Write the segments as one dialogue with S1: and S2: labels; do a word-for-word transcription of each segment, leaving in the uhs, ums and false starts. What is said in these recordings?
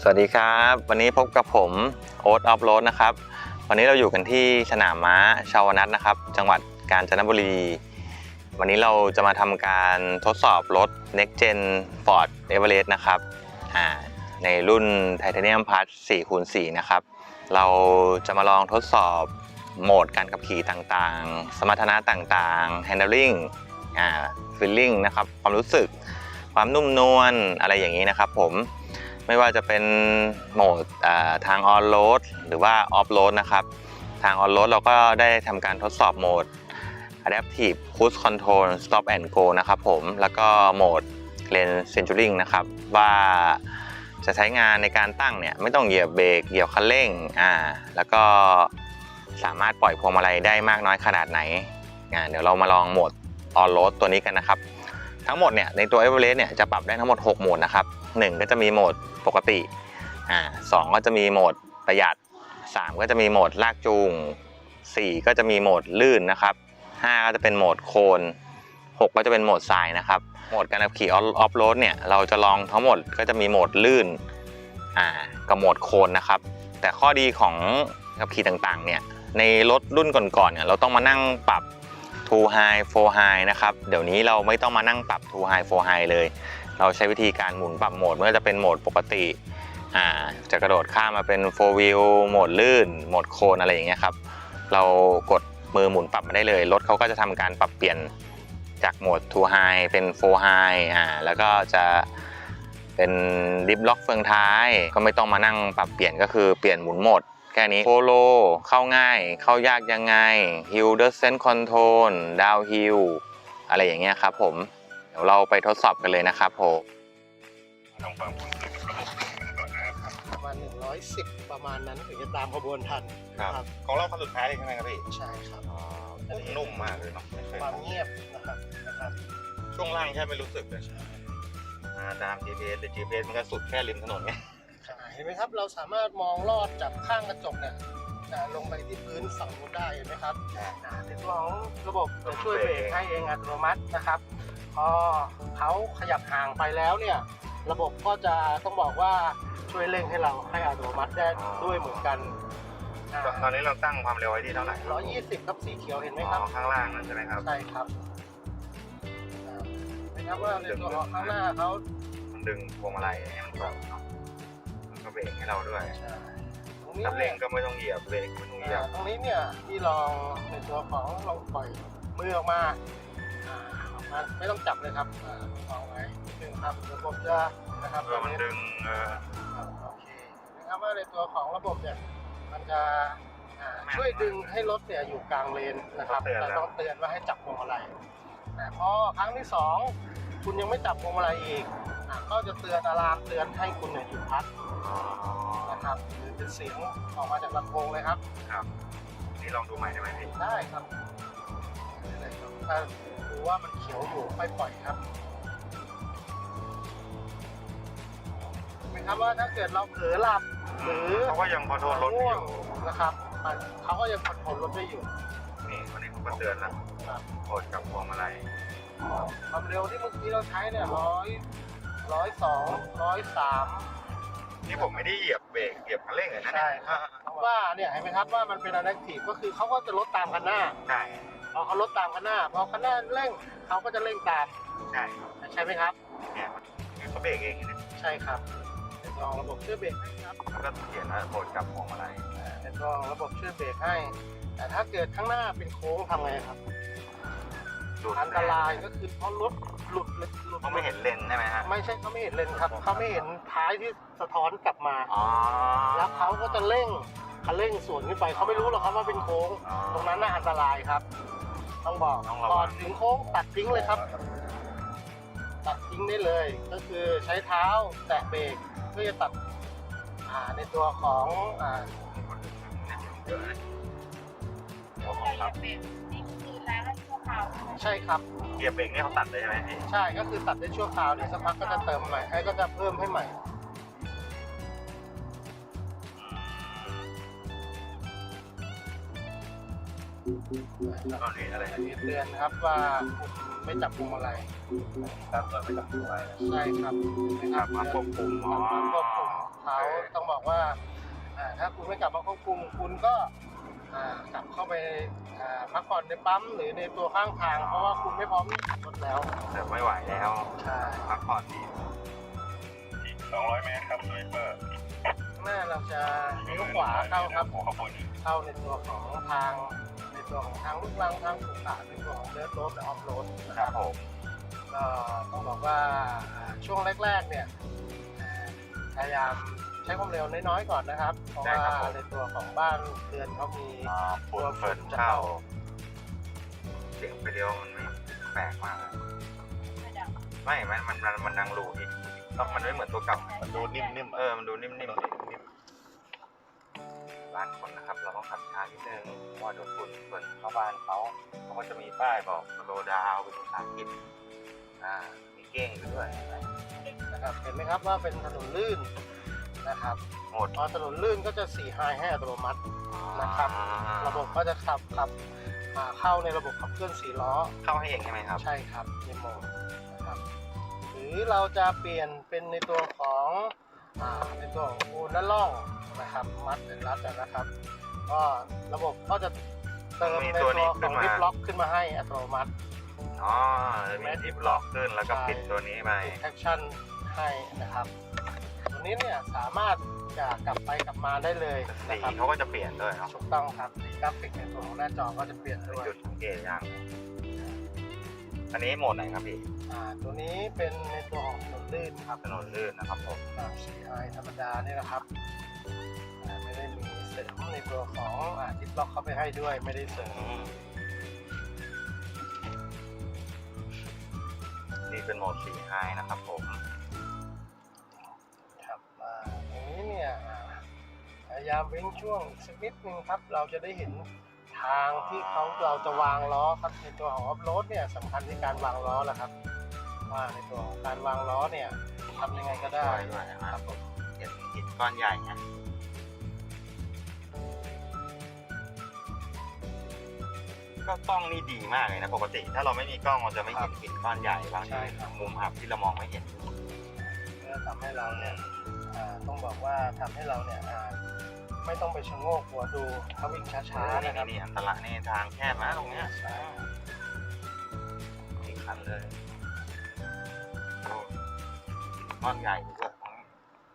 S1: สวัสดีครับวันนี้พบกับผมโอ๊ตออฟโรดนะครับวันนี้เราอยู่กันที่สนามม้าชาวนัทนะครับจังหวัดกาญจนบุรีวันนี้เราจะมาทำการทดสอบรถ Next Gen Ford Everest นะครับในรุ่น Titanium Plus สี่คูณสี่ นะครับเราจะมาลองทดสอบโหมดการขับขี่ต่างๆสมรรถนะต่างๆ Handling อ่า Feeling นะครับความรู้สึกความนุ่มนวลอะไรอย่างนี้นะครับผมไม่ว่าจะเป็นโหมดทางออนโรดหรือว่าออฟโรดนะครับทางออนโรดเราก็ได้ทำการทดสอบโหมด Adaptive Cruise Control Stop and Go นะครับผมแล้วก็โหมด Lane Centering นะครับว่าจะใช้งานในการตั้งเนี่ยไม่ต้องเหยียบเบรกเหยียบคันเร่งอ่าแล้วก็สามารถปล่อยพวงมาลัยได้มากน้อยขนาดไหนอ่าเดี๋ยวเรามาลองโหมดออนโรดตัวนี้กันนะครับทั้งหมดเนี่ยในตัว Everest เนี่ยจะปรับได้ทั้งหมดหกโหมดนะครับหนึ่งก็จะมีโหมดปกติอ่าสองก็จะมีโหมดประหยัดสามก็จะมีโหมดลากจูงสี่ก็จะมีโหมดลื่นนะครับห้าก็จะเป็นโหมดโคนหกก็จะเป็นโหมดทรายนะครับโหมดการขับขี่ออฟโรดเนี่ยเราจะลองทั้งหมดก็จะมีโหมดลื่นอ่ากับโหมดโคนนะครับแต่ข้อดีของขับขี่ต่างๆเนี่ยในรถรุ่นก่อนๆเนี่ยเราต้องมานั่งปรับ two high four high นะครับเดี๋ยวนี้เราไม่ต้องมานั่งปรับ two high four high เลยเราใช้วิธีการหมุนปรับโหมดเมื่อจะเป็นโหมดปกติอ่าจะกระโดดข้ามมาเป็น four wheel โหมดลื่นโหมดโคนอะไรอย่างเงี้ยครับเรากดมือหมุนปรับมาได้เลยรถเขาก็จะทำการปรับเปลี่ยนจากโหมด two high เป็น four high อ่าแล้วก็จะเป็นดิฟล็อกเฟืองท้ายก็ไม่ต้องมานั่งปรับเปลี่ยนก็คือเปลี่ยนหมุนโหมดแค่นี้โฟโลเข้าง่ายเข้ายากยังไง Hill Descent Control Downhill อะไรอย่างเงี้ยครับผมเดี๋ยวเราไปทดสอบกันเลยนะครับผมลองฟังคุณ
S2: ประมาณหนึ่งร้อยสิบประมาณนั้นถึงจะตามขบวนทัน
S1: ครับของเราคันสุดท้ายเลยใช่ไหมครับพี่
S2: ใช่ครับ
S1: นุ่มมากเลยเนาะ
S2: ความเงียบนะครับนะครับ
S1: ช่วงล่างแค่ไม่รู้สึกเลยมาตาม จี พี เอส แต่ จี พี เอส มันก็สุดแค่ริมถนนไง
S2: เห็นไหมครับเราสามารถมองลอดจากข้างกระจกเนี่ยลงไปที่พื้นฝั่งนู้นได้เห็นไหมครับในตัวของระบบจะช่วยเบรกให้เองอัตโนมัตินะครับพอเขาขยับห่างไปแล้วเนี่ยระบบก็จะต้องบอกว่าช่วยเร่งให้เราให้อัตโนมัติได้ด้วยเหมือนกัน
S1: ตอนนี้เราตั้งความเร็วไว้ที่เท่าไหร่
S2: หนึ่งร้อยยี่สิบครับสีเขียวเห็นไหมครับ
S1: ข้างล่างนั่นใช่ไหมครับ
S2: ใช่ครับเห็นไหมครับว่าในตัวข้างหน้าเขา
S1: มันดึงพวงมาลัยให้มันตรงมันก็เบรกให้เราด้วย
S2: ตรงนี้
S1: เร่งก็ไม่ต้องเหยียบเบรกไม่ต้องเหยียบ
S2: ตรงนี้เนี่ยที่ลองในตัวของลองปล่อยมือออกมาออกมาไม่ต้องจับเลยครับเอาไว้ดึงครับระบบจะนะครับ
S1: มันดึงเออ
S2: โอเคนะครับว่าในตัวของระบบเนี่ยมันจะช่วยดึงให้รถเนี่ยอยู่กลางเลนนะครับแต่ต้องเตือนว่าให้จับพวงมาลัยแต่พอครั้งที่สองคุณยังไม่จับพวงมาลัยอีกก็จะเตือนอะลามเตือนให้คุณเนี่ยหยุดพักนะครับหรือเป็นเสียงออกมาจากลำโพงเลยครับ
S1: ครับนี่ลองดูใหม่ได้ไหมพี่
S2: ได้ครับถ้าดูว่ามันเขียวอยู่ค่อยปล่อยครับเห็นไหมครับว่าถ้าเกิดเราเผลอหลับหรือ
S1: เขาก็ยังคอนโทรลรถอยู่
S2: นะครับเขาก็ยังคอนโทรลรถได้อยู่
S1: นี่วันนี้เขาก็เตือนแล้วกดกับพวงมาลัย
S2: ความเร็วที่เมื่อกี้เราใช้เนี่ยร้อยร้อยสองร้อยสาม
S1: นี่ผมไม่ได้เหยียบเบรกเหยียบคันเร่งเลยนะ
S2: ใช่ครับเพราะว่าเนี่ยเห็นไหมครับว่ามันเป็นอะแดปทีฟก็คือเขาก็จะลดตามคันหน้า
S1: ใช่
S2: พอเขาลดตามคันหน้าพอคันหน้าเร่งเขาก็จะเร่งตาม
S1: ใช่
S2: ใช่ไหมครับ
S1: เนี่ยเขาเบรกเองนะ
S2: ใช่ครับเป็นรองระบบช่วยเบรกให้ครับ
S1: แล้วก็เขียนว่าโหมดกับพวงมาลัย
S2: เป็นรองระบบช่วยเบรกให้แต่ถ้าเกิดข้างหน้าเป็นโค้งทำไงครับอันตรายก็คือเพราะรถหลุดหลุด
S1: เขาไม่เห็นเลนใช่ไหมฮะ
S2: ไม่ใช่เขาไม่เห็นเลนครับเขาไม่เห็นท้ายที่สะท้อนกลับมาแล้วเขาก็จะเร่งคันเร่งสวนขึ้นไปเขาไม่รู้หรอกครับว่าเป็นโค้งตรงนั้นน่าอันตรายครับต้องบอกก่อนถึงโค้งตัดทิ้งเลยครับตัดทิ้งได้เลยก็คือใช้เท้าแตะเบรกเพื่อจะตัดในตัวของใช่ครับ
S1: เกียร์เบรกนี่เขาตัดเลยใช่ไหมพี่
S2: ใช่ก็คือตัดได้ชั่วคราวเนี่ยสักพักก็จะเติมใหม่ไอ้ก็จะเพิ่มให้ใหม่
S1: ตอนนี้อะไร
S2: อันนี้เตือนครับว่าไม่จับพวงมาลัย
S1: ครับไม่จับพวงมาลัย
S2: ใช่ครับ
S1: นะครับมาควบคุมอ๋อ
S2: ควบคุมเขาต้องบอกว่าอ่าถ้าคุณไม่กลับมาควบคุมคุณก็อ่ากลับเข้าไปอ่าพักผ่อนในปั๊มหรือในตัวข้างทาง เพราะว่าคุณไม่พร้อมที่ขับรถแล้ว
S1: แต่ไม่ไหวแล้ว
S2: ใช่
S1: พักผ่อนดี
S3: อีกสองร้อยเมตรครับสวิปเปอร์
S2: ข้างหน้าเราจะเลี้ยวขวาเข้าครับ
S3: หัวขบวน
S2: เข้าในตัวของทางในตัวของทางลูกรังทางสุขาในตัวของเดิร์ทโรดและออฟโรดนะ
S1: ค
S2: ค
S1: รั
S2: รั
S1: บบ ผม
S2: ก็ต้องบอกว่าช่วงแรกๆเนี่ยพยายามใช้ความเร็วน้อยๆก่อนนะครับ เพราะว่าในตัวของบ้านเรือนเขามี
S1: อ่าฝุ่นเฟิร์นเข้าเสียงไปเดียวมันไม่แปลกมากเลยไม่มันมันมันมันดังรูอีกต้องมันไม่เหมือนตัวเก่า
S3: มันดูนิ่มๆ
S1: เออมันดูนิ่มๆนิ่มบ้านคนนะครับ เราต้องขับช้านิดนึงเพราะว่าเดี๋ยวฝุ่นเฟิร์นเข้าบ้านเขาเขาก็จะมีป้ายบอกโลดาวเป็นภาษาอังกฤษอ่ามีเก้งอยู่ด้วย
S2: นะครับเห็นไหมครับว่าเป็นถนนลื่นนะครับ
S1: หมด
S2: พอถนนลื่นก็จะสี่ไฮให้อัตโนมัติ นะครับ ระบบก็จะขับขับอ่าเข้าในระบบขับเคลื่อนสี่ล้อ
S1: เข้าให้เองใช่ไหมครับ
S2: ใช่ครับในโหมดนะครับหรือเราจะเปลี่ยนเป็นในตัวของอ่าในตัวของปูนและล่องนะครับมัดเป็นรัดนะครับ ก็ระบบก็จะเติม
S1: มี
S2: ใน
S1: ตั
S2: ตัว ว
S1: นี้
S2: ข
S1: ขึ้
S2: อน ง
S1: มา
S2: ลิฟล็อกขึ้นมาให้อัตโนมัติ
S1: อ๋อจะมีทิปล็อกขึ้นแล้วก็ปิดตัวนี้ไป
S2: แอคชั่นให้นะครับตัวนี้เนี่ยสามารถจะกลับไปกลับมาได้เลยนะ
S1: สี
S2: ครับ
S1: เขาก็จะเปลี่ยนด้วยเนาะ
S2: ถูกต้องครับสีกราฟิกในตัวของหน้าจอก็จะเปลี่ยนด้วย
S1: จุดสังเกตอย่างอันนี้โหมดไหนครับพี่
S2: อ่าตัวนี้เป็นในตัวของถนนลื่นครับ
S1: ถนนลื่นนะครับผม
S2: ตาม ซี ไอ ธรรมดานี่นะครับอ่าไม่ได้มีเสริมในตัวของอ่าทิปล็อกเข้าไปให้ด้วย ไม่ได้เสริม
S1: นี่เป็นโหมดสีไฮนะครับผม
S2: ครับอ่าตรงนี้เนี่ยอ่าพยายามเว้นช่วงอีกสักนิดนึงครับ เราจะได้เห็นทางที่เขาเราจะวางล้อครับในตัวของออฟโรดเนี่ยสำคัญที่การวางล้อแหละครับ ว่าในตัวของการวางล้อเนี่ยทำยังไงก็ได้
S1: ด้วยด้วยนะครับผมเห็นหินก้อนใหญ่ไงก็กล้องนี่ดีมากเลยนะปกติ ถ้าเราไม่มีกล้องเราจะไม่เห็นหินก้อนใหญ่บางทีมุมอับที่เรามองไม่เห็น
S2: เพื่อทำให้เราเนี่ยอ่าต้องบอกว่าทำให้เราเนี่ยอ่าไม่ต้องไปชะโงกหัวดูเขาวิ่งช้าๆ
S1: นี่
S2: นะครับ
S1: นี่อันตรายนี่ทางแคบนะตรงเนี้ย
S2: ใช่
S1: อีกคันเลยโอ้ก้อนใหญ่ด้วยตรงนี้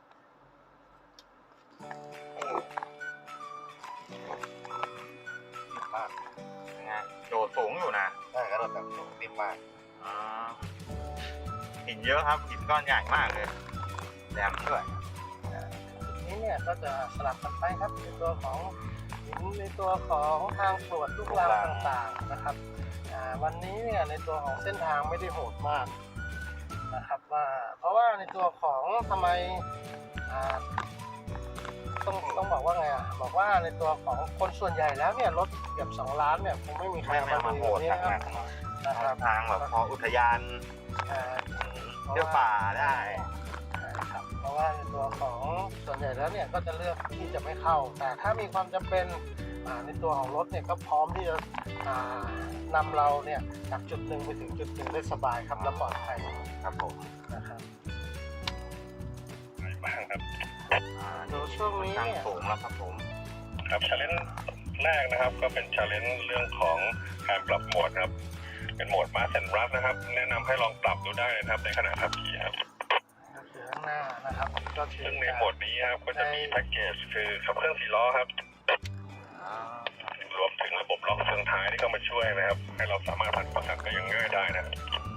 S1: มากยังไงโดดสูงอยู่นะ
S3: ได้ก็แบบนิ่มมาก
S1: อ่าหินเยอะครับหินก้อนใหญ่มากเลยแหลมด้วย
S2: จุดนี้เนี่ยก็จะสลับกันไปครับในตัวของหินในตัวของทางตรวจลูกรังต่างๆนะครับอ่าวันนี้เนี่ยในตัวของเส้นทางไม่ได้โหดมากนะครับว่าเพราะว่าในตัวของทำไมอ่าต้องต้องบอกว่าไงอ่ะบอกว่าในตัวของคนส่วนใหญ่แล้วเนี่ยรถเกือบสองล้านเนี่ยคงไม่มีใคร
S1: ไม่ไม่
S2: มา
S1: มา
S2: ดู
S1: โหด
S2: นี้
S1: ทาง
S2: นะค
S1: นั้
S2: รับ
S1: น
S2: นะครับ
S1: ทางแบบพออุทยาน
S2: อ่า
S1: เที่ยวป่าได้
S2: ครับเพราะว่าในตัวของส่วนใหญ่แล้วเนี่ยก็จะเลือกที่จะไม่เข้า แต่ถ้ามีความจำเป็นอ่าในตัวของรถเนี่ยก็พร้อมที่จะอ่านำเราเนี่ยจากจุดหนึ่งไปถึงจุดหนึ่งได้สบายครับและปลอดภัย
S1: ครับผม
S2: นะครับ
S3: ไหนบ้างครับ
S1: อ่า
S2: โดยช่วงนี้
S1: ทาง
S2: เนี่ย
S1: สูงแล้วครับผม
S3: ครับชาเลนจ์แรกนะครับก็เป็นชาเลนจ์เรื่องของการปรับโหมดครับเป็นโหมดมาสแอนด์รัสนะครับ แนะนำให้ลองปรับดูได้นะครับในขณะขับขี่ครับ
S2: ก็คือข้างหน้านะครับก็คือ
S3: ซึ่งในโหมดนี้ครับก็จะมีแพ็กเกจคือขับเคลื่อนสี่ล้อครับ
S1: อ่าร
S3: วมถึงระบบล็อกเฟืองท้ายที่เข้ามาช่วยนะครับ ให้เราสามารถผันประกันได้อย่างง่ายได้นะครับ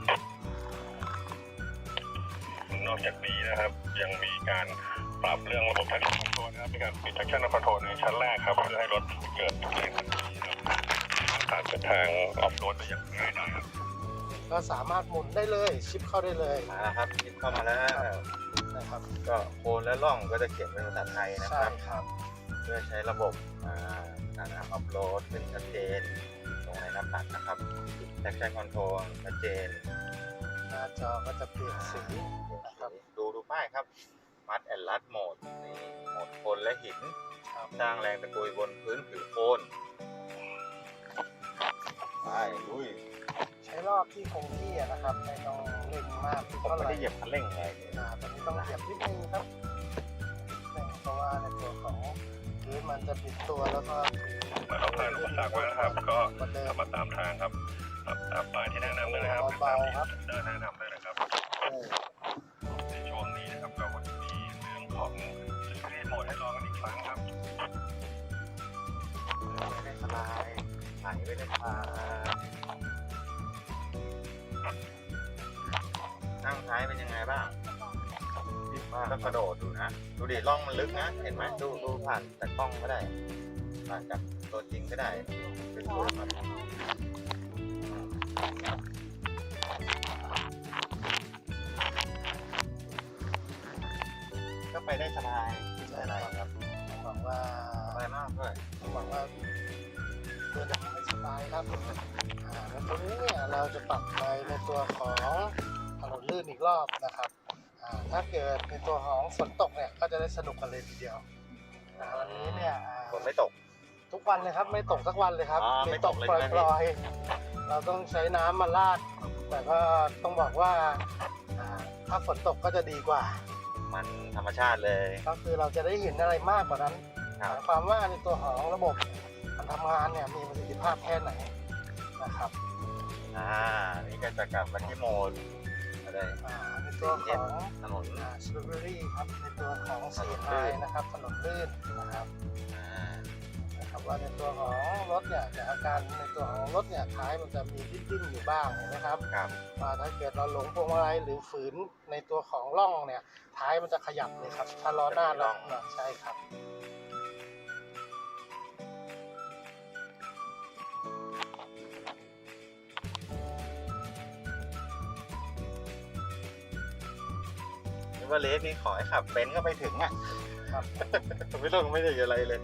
S3: นอกจากนี้นะครับยังมีการปรับเรื่องระบบ traction control นะครับมีการปิด traction control ในชั้นแรกครับเพื่อให้รถเกิดแรงขับขี่ครับผ่านเส้นทางออฟโรดได้อย่างง่ายได้ครับ
S2: ก็สามารถหมุนได้เลยชิปเข้าได้เลย
S1: มาแล้วครับคิดเข้ามาแล้ว
S2: นะครับ
S1: ก็โคนและร่องก็จะเขียนเป็นภาษาไทยนะค
S2: ใช่
S1: รับ
S2: ครับ
S1: เพื่อใช้ระบบอ่าการอัพโหลดเป็นชัดเจนตรงในหน้าปัดนะครับแท็กชั่นคอนโทรลชัดเจน
S2: หน้าจอก็จะเปลี่ยนสีนะครับ
S1: ดูดูป้ายครับมัดแอนลัดโหมดนี่โหมดโคนและหิน
S2: ครับ
S1: สร้างแรงตะกุยบนพื้นผิวโคน ไปอุ้ย
S2: ใช้รอบที่คงที่อะนะครับไม่ต้องเร่งมาก
S1: ผม
S2: เท่าไห
S1: ไม่
S2: ร่
S1: ได้เหยียบคันเร่งเลย
S2: อ่าตอนนี้ต้องเหยียบนิดนึงครับเพราะว่าในตัวของพื้นมันจะปิดตัวแล้วก็
S3: เมื่อเราผ่านอุปสรรคไว้นะครับ ก็
S2: เหมือนเดิม
S3: ขับมาตามทางครับขับตามป้ายที่แนะนำเลยนะครับ
S2: เบาๆครับ
S3: เดินแนะนำเลยนะครับ ในช่วงนี้นะครับเราก็จะมีเรื่องของสปีดโหมดให้ลองกันอีกครั้งครับ
S1: ไม่ได้สบายไหลไม่ได้พานั่งท้ายเป็นยังไงบ้างก็กระโดดดูนะ ดูดิร่องมันลึกนะ เห็นไหมดูดูผ่านจากกล้องก็ได้ ผ่านจากตัวจริงก็ได้เป็นตัวครับก็ไปได้สบายไม่อะไรครับ
S2: ต้องบอกว่า
S1: สบายมากด้วย
S2: ต้องบอกว่าเดินทางไม่สบายครับอ่าแล้วตรงนี้เนี่ยเราจะปรับไปในตัวของถนนลื่นอีกรอบนะครับอ่าถ้าเกิดในตัวของฝนตกเนี่ยก็จะได้สนุกกันเลยทีเดียวอ่าวันนี้เนี่ยอ่า
S1: ฝนไม่ตก
S2: ทุกวันเลยครับไม่ตกสักวันเลยครับ
S1: อ๋อไม่ตกเลยใช่ไหม
S2: ปล่อยๆเราต้องใช้น้ำมาลาด แต่ก็ต้องบอกว่าอ่าถ้าฝนตกก็จะดีกว่า
S1: มันธรรมชาติเลย
S2: ก็คือเราจะได้เห็นอะไรมากกว่านั้น
S1: ครั
S2: ห
S1: บ
S2: มายความว่าในตัวของระบบการทำงานเนี่ยมีประสิทธิภาพแค่ไหนนะครับ
S1: อ่า นี่ก็จะกลับมาที่โหมดอะไร
S2: อ่าในตัวของ
S1: ถนน
S2: สตรอเบอรี่ครับในตัวของเสียไฮนะครับถนนลื่นนะครับ
S1: อ่า
S2: นะครับว่าในตัวของรถเนี่ยจากอาการในตัวของรถเนี่ยท้ายมันจะมีดิ้นๆอยู่บ้างเห็นไหมครับ
S1: ครับ
S2: ว่าถ้าเกิดเราหลงพวงมาลัยหรือฝืนในตัวของร่องเนี่ยท้ายมันจะขยับเลยครับถ้าล้อหน้าเราใช่ครับ
S1: นึกว่าเลสนี่ขอให้ขับเป็นก็ไปถึงอ่ะ
S2: ครับ
S1: ไม่ต้องไม่ได้อะไรเลย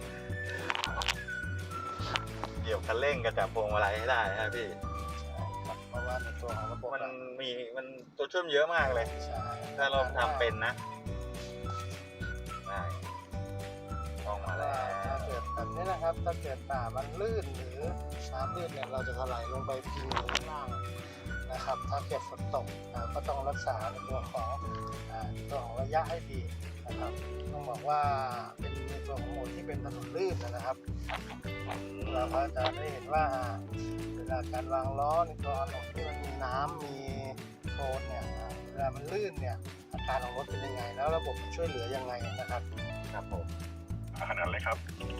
S1: เกี่ยวคันเร่งกับจับพวงมาลัยให้ได้นะพี่
S2: ครับเพราะว่าในตัวของระบบ
S1: มันมีมันตัวช่วยเยอะมากเลย
S2: ใช่
S1: ถ้าเราทำเป็นนะได้ต้องมาแล้
S2: ถ้าว เกิดแบบนี้นะครับถ้าเกิดป่ามันลื่นหรือน้ำลื่นเนี่ยเราจะถลายลงไปพิงอยู่ข้างล่างนะครับ ถ้าเกิดฝนตกอ่าก็ต้องรักษาในตัวของอ่าตัวของระยะให้ดีนะครับต้องบอกว่าเป็นในตัวของโหมดที่เป็นถนนลื่นนะครับ เราก็จะได้เห็นว่าอ่าเวลาการวางล้อในตัวถนนที่มันมีน้ำมีโคลนเนี่ยอ่าเวลามันลื่นเนี่ยอาการของรถเป็นยังไง แล้วระบบช่วยเหลือยังไงนะครับ
S1: ครับผม
S3: ขนาดเลยครับ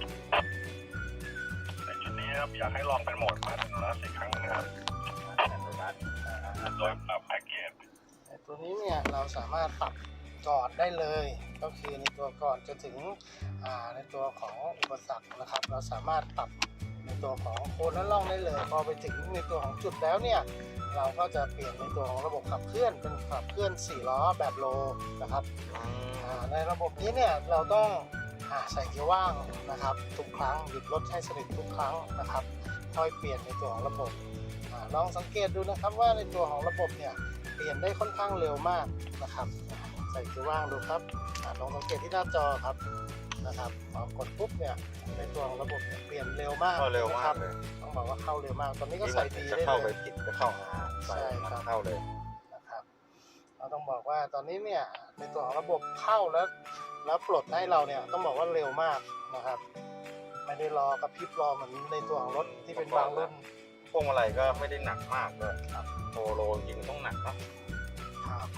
S3: ในจุดนี้นะครับอยากให้ลองเป็นโหมดมาเป็นรัสอีกครั้งนะครับ
S1: อัตโนมัติ
S3: โดยปรับแพ็กเกจ
S2: แต่ตัวนี้เนี่ยเราสามารถปรับก่อนได้เลย ก็คือในตัวก่อนจะถึงอ่าในตัวของอุปสรรคนะครับ เราสามารถปรับในตัวของโคนและล่องได้เลย พอไปถึงในตัวของจุดแล้วเนี่ยเราก็จะเปลี่ยนในตัวของระบบขับเคลื่อนเป็นขับเคลื่อนสี่ล้อแบบโลนะครับ
S1: อืม
S2: อ่าในระบบนี้เนี่ยเราต้องอ่าใส่เกียร์ว่างนะครับ ทุกครั้งหยุดรถให้สนิททุกครั้งนะครับค่อยเปลี่ยนในตัวของระบบอาลองสังเกตดูนะครับว่าในตัวของระบบเนี่ยเปลี่ยนได้ค่อนข้างเร็วมากนะครับอ่าใส่เกียร์ว่างดูครับอาลองสังเกตที่หน้าจอครับนะครับพอกดปุ๊บเนี่ยในตัวของระบบเนี่ยเปลี่ยนเร็วมาก
S1: เข้าเร็ว
S2: นะ
S1: มา
S2: ครั
S1: ก
S2: บ
S1: เลย
S2: ต้องบอกว่าเข้าเร็วมากตอนนี้ก็
S1: ที่
S2: ใส่
S1: มัน
S2: ดี
S1: จะ
S2: ได้
S1: เข้า
S2: เล
S1: ไป
S2: ย
S1: ผิดก็เข้าหา
S2: ใช่ครับ
S1: เข้าเลย
S2: นะครับเราต้องบอกว่าตอนนี้เนี่ยในตัวของระบบเข้าแล้วแล้วปลดให้เราเนี่ยต้องบอกว่าเร็วมากนะครับ ไม่ได้รอกระพริบรอเหมือนในตัวของรถที่เป็นบางรุ่น
S1: พวงมาลัยก็ไม่ได้หนักมากด้วยครับโปโลจริงต้องหนักเนาะ
S2: ครับ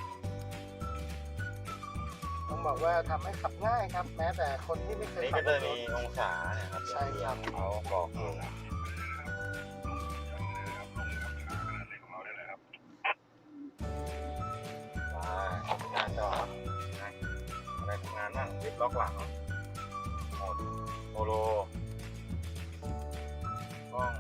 S2: ต้องบอกว่าทำให้ขับง่ายครับ แม้แต่คนที่ไม่เคย
S1: นี่
S2: ขั
S1: ก็
S2: บ
S1: จะ
S2: ร
S1: มี
S2: ถ
S1: องศาเนี่ยครับ
S2: ใช่ครับ
S1: เขาบอกอยู่
S3: ของเราได้เลยครับ
S1: ว่าหน้าจอนะอะไรทำงานบ้างลิฟต์ล็อกหลังโหมดโปโลกล้อง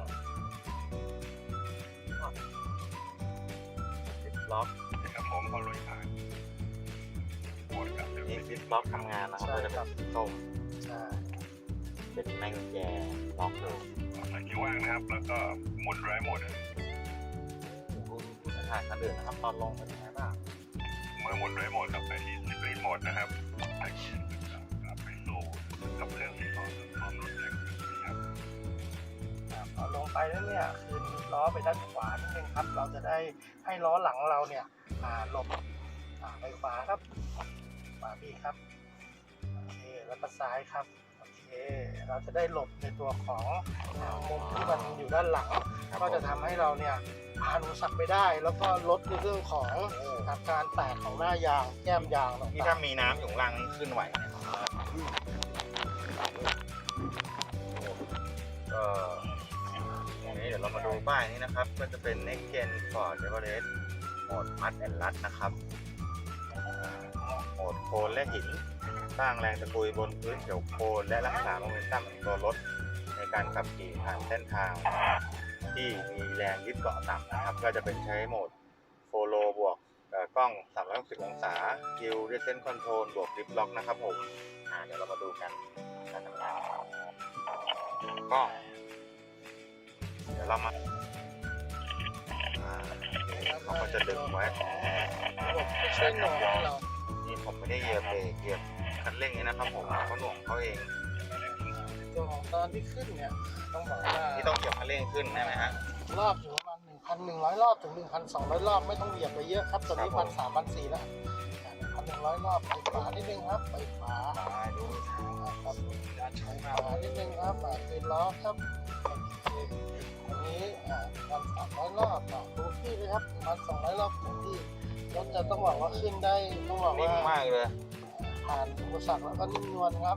S1: ลิฟต์ล็อก
S3: นะครับผมพอลุยผ่านโหมดแบบเดิม
S1: นี่ลิฟต์ล็อกทำงานนะครับก็จะเป็นสีส้ม
S2: ใช่
S1: เป็นแม่กุญแจล็อกเลย
S3: ใส่เกียร์ว่างนะครับ แล้วก็หมุนไร้โหมด
S1: ดูถ่ายคันอื่นนะครับตอนลงเป็นยังไงบ้าง
S3: เมื่อหมุนไร้โหมดกลับไปที่สปีดโหมดนะครับแพ็กเกจจะกลับไปสู่กับเครื่องที่สองพร้อมรถแรงครับ
S2: ครับพอลงไปแล้วเนี่ยคืนล้อไปด้านขวานิดนึงครับ เราจะได้ให้ล้อหลังเราเนี่ยอ่าหลบอ่าไปขวาครับขวาพี่ครับโอเคแล้วก็ซ้ายครับโอเคเราจะได้หลบในตัวของมุมที่มันอยู่ด้านหลังก็จะทำให้เราเนี่ยผ่านอุปสรรคไปได้ แล้วก็ลดในเรื่องของอาการแตกของหน้ายางแก้มยางต่างๆ
S1: นี่ถ้ามีน้ำอยู่ข้างล่างนี่ขึ้นไหวไหมก็อย่างนี้เดี๋ยวเรามาดูป้ายนี้นะครับก็จะเป็น Next Gen Ford Everest โหมด Mud and Rut นะครับโหมดโคลนและหินสร้างแรงตะกุยบนพื้นเขียวโคลนและรักษาโมเมนตัมของตัวรถในการขับขี่ผ่านเส้นทางที่มีแรงยึดเกาะต่ำนะครับก็จะเป็นใช้โหมดโฟโลบวกกล้องสามร้อยหกสิบองศาคิวเดเซนคอนโทรลบวกดริฟล็อกนะครับผมอ่าเดี๋ยวเรามาดูกันการทำงานก็เดี๋ยวเรามาเขาก็จะดึงไว้
S2: ระบบช่วยหน่วงให้เรา
S1: นี่ผมไม่ได้เหยียบเบรกเหยียบคันเร่งนี่นะครับผมเขาหน่วงเขาเอง
S2: ตัวของตอนที่ขึ้นเนี่ยต้องบอกว่า
S1: ที่ต้องเหยียบคันเร่งขึ้นใช่ไหมฮะ
S2: รอบอยู่ประมาณหนึ่งพันหนึ่งร้อยรอบถึงหนึ่งพันสองร้อยรอบไม่ต้องเหยียบไปเยอะครับตัวนี้พันสามพันสี่แล้วหนึ่งพันหนึ่งร้อยรอบไปขวานิดนึงครับไปขวา
S1: ดู
S2: ครับการใช้ขวานิดนึงครับอ่าคืนล้อครับโอเคอันนี้อ่าพันสามร้อยรอบอ่าดูที่เลยครับพันสองร้อยรอบถึงที่รถจะต้องบอกว่าขึ้นได้ต้องบอก
S1: นิ่
S2: ว่าม
S1: มากเลย
S2: ผ่านอุปสรรคแล้วก็นิ่มนวลครับ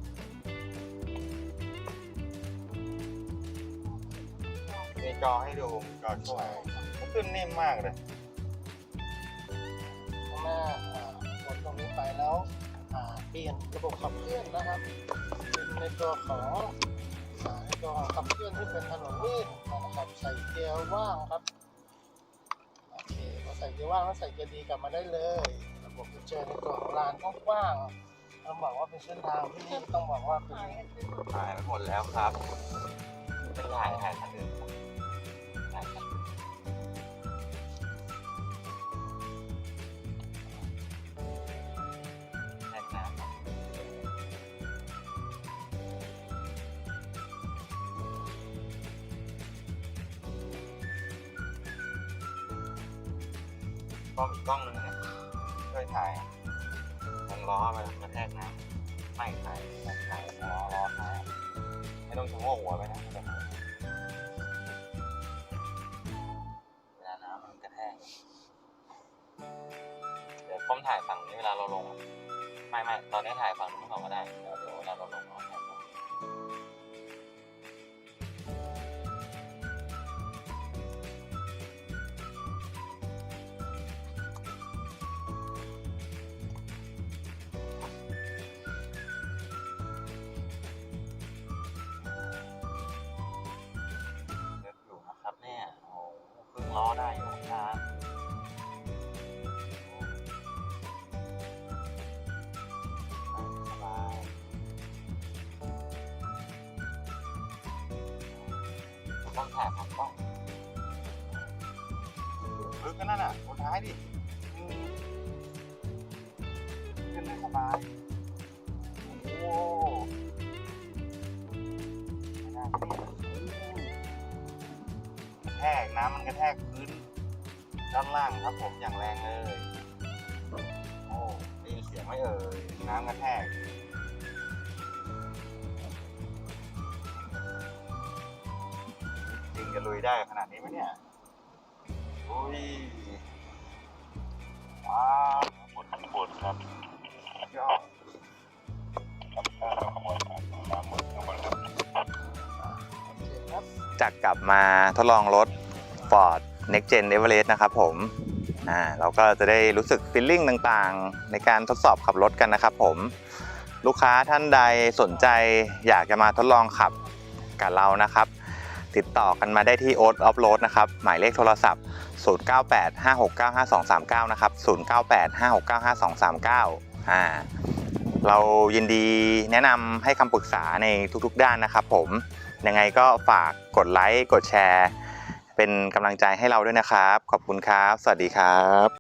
S1: มีจอให้ดูจอช่วยมันขึ้นนิ่มมากเลย
S2: ข้างหน้าอ่ากดตรงนี้ไปแล้วอ่าเปลี่ยนระบบขับเคลื่อนนะครับเป็นในตัวของอ่าในตัวของขับเคลื่อนที่เป็นถนนลื่นนะครับใส่เกียร์ว่างครับโอเคพอใส่เกียร์ว่างแล้วใส่เกียร์ดีกลับมาได้เลยระบบจะเจอในตัวของลานกว้างๆต้องบอกว่าเป็นเส้นทางที่ต้องบอกว่าเป็น
S1: ถ่ายไปหมดแล้วครับเป็นถ่ายถ่ายคันอื่นถ่ายคันอื่นแน่นน้ำกล้องอีกกล้องหนึ่งนะช่วยถ่ายวงล้อไปกระแทกน้ำไม่ถ่ายถ่ายล้อล้อท้ายไม่ต้องชะโงกหัวไปนะเวลาน้ำมันกระแทกเดี๋ยวผมถ่ายฝั่งนี้เวลาเราลงไม่ไม่ตอนนี้ถ่ายฝั่งนู้นก่อนก็ได้เดี๋ยวเดี๋ยวเวลาเราลงเราถ่ายฝั่งล้อได้อยู่ครับสบายต้องถ่ายผักกล้องลึกกันนั่นน่ะคนท้ายดิขึ้นได้สบายโอ้ไม่น่าเกลียดกระแทกน้ำมันกระแทกพื้นด้านล่างครับผมอย่างแรงเลยโอ้ได้ยินเสียงไหมเอ่ยน้ำกระแทกจริงจะลุยได้ขนาดนี้ไหมเนี่ยอุ้ยว้าวปวดปวดครับยอดจากกลับมาทดลองรถ Ford Next Gen Everest นะครับผมอ่าเราก็จะได้รู้สึกฟีลลิ่งต่างๆในการทดสอบขับรถกันนะครับผมลูกค้าท่านใดสนใจอยากจะมาทดลองขับกับเรานะครับติดต่อกันมาได้ที่ Oat Off Road นะครับหมายเลขโทรศัพท์ศูนย์ เก้า แปด ห้า หก เก้า ห้า สอง สาม เก้านะครับศูนย์ เก้า แปด ห้า หก เก้า ห้า สอง สาม เก้าอ่าเรายินดีแนะนำให้คำปรึกษาในทุกๆด้านนะครับผมยังไงก็ฝากกดไลค์กดแชร์เป็นกำลังใจให้เราด้วยนะครับขอบคุณครับสวัสดีครับ